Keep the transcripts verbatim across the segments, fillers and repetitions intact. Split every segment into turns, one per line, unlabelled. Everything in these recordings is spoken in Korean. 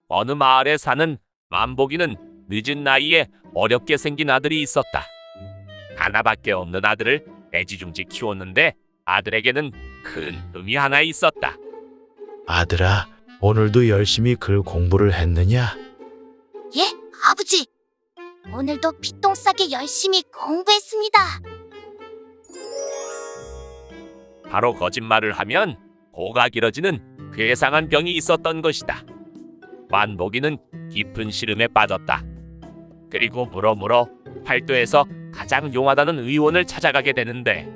어느 마을에 사는 만복이는 늦은 나이에 어렵게 생긴 아들이 있었다. 하나밖에 없는 아들을 애지중지 키웠는데 아들에게는 큰 흠이 하나 있었다.
아들아, 오늘도 열심히 글 공부를 했느냐?
예, 아버지. 오늘도 피똥 싸게 열심히 공부했습니다.
바로 거짓말을 하면 코가 길어지는 괴상한 병이 있었던 것이다. 만복이는 깊은 시름에 빠졌다. 그리고 물어물어 팔도에서 가장 용하다는 의원을 찾아가게 되는데,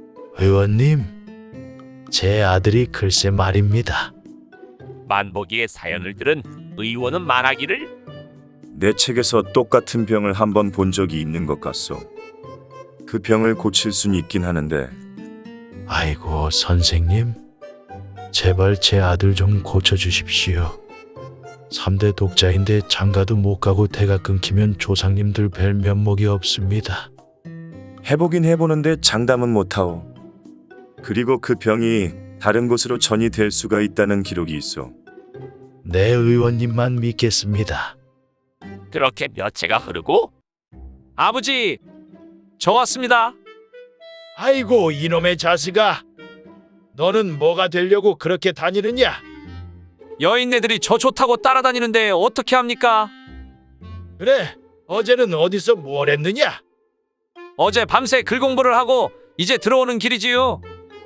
의원님, 제 아들이 글쎄 말입니다.
만복이의 사연을 들은 의원은 말하기를,
내 책에서 똑같은 병을 한 번 본 적이 있는 것 같소. 그 병을 고칠 순 있긴 하는데
아이고, 선생님, 제발 제 아들 좀 고쳐주십시오. 삼 대 독자인데 장가도 못 가고 대가 끊기면 조상님들 뵐 면목이 없습니다.
해보긴 해보는데 장담은 못하오. 그리고 그 병이 다른 곳으로 전이 될 수가 있다는 기록이 있어.
네, 의원님만 믿겠습니다.
그렇게 몇 해가 흐르고, 아버지, 저 왔습니다.
아이고, 이놈의 자식아, 너는 뭐가 되려고 그렇게 다니느냐?
여인네들이 저 좋다고 따라다니는데 어떻게 합니까?
그래, 어제는 어디서 뭘 했느냐?
어제 밤새 글 공부를 하고 이제 들어오는 길이지요.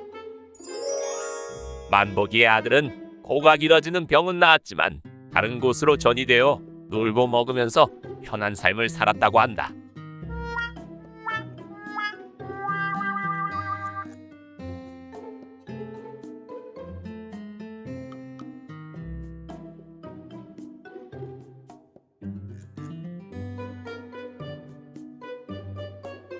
만복이의 아들은 코가 길어지는 병은 나았지만 다른 곳으로 전이되어 놀고 먹으면서 편한 삶을 살았다고 한다.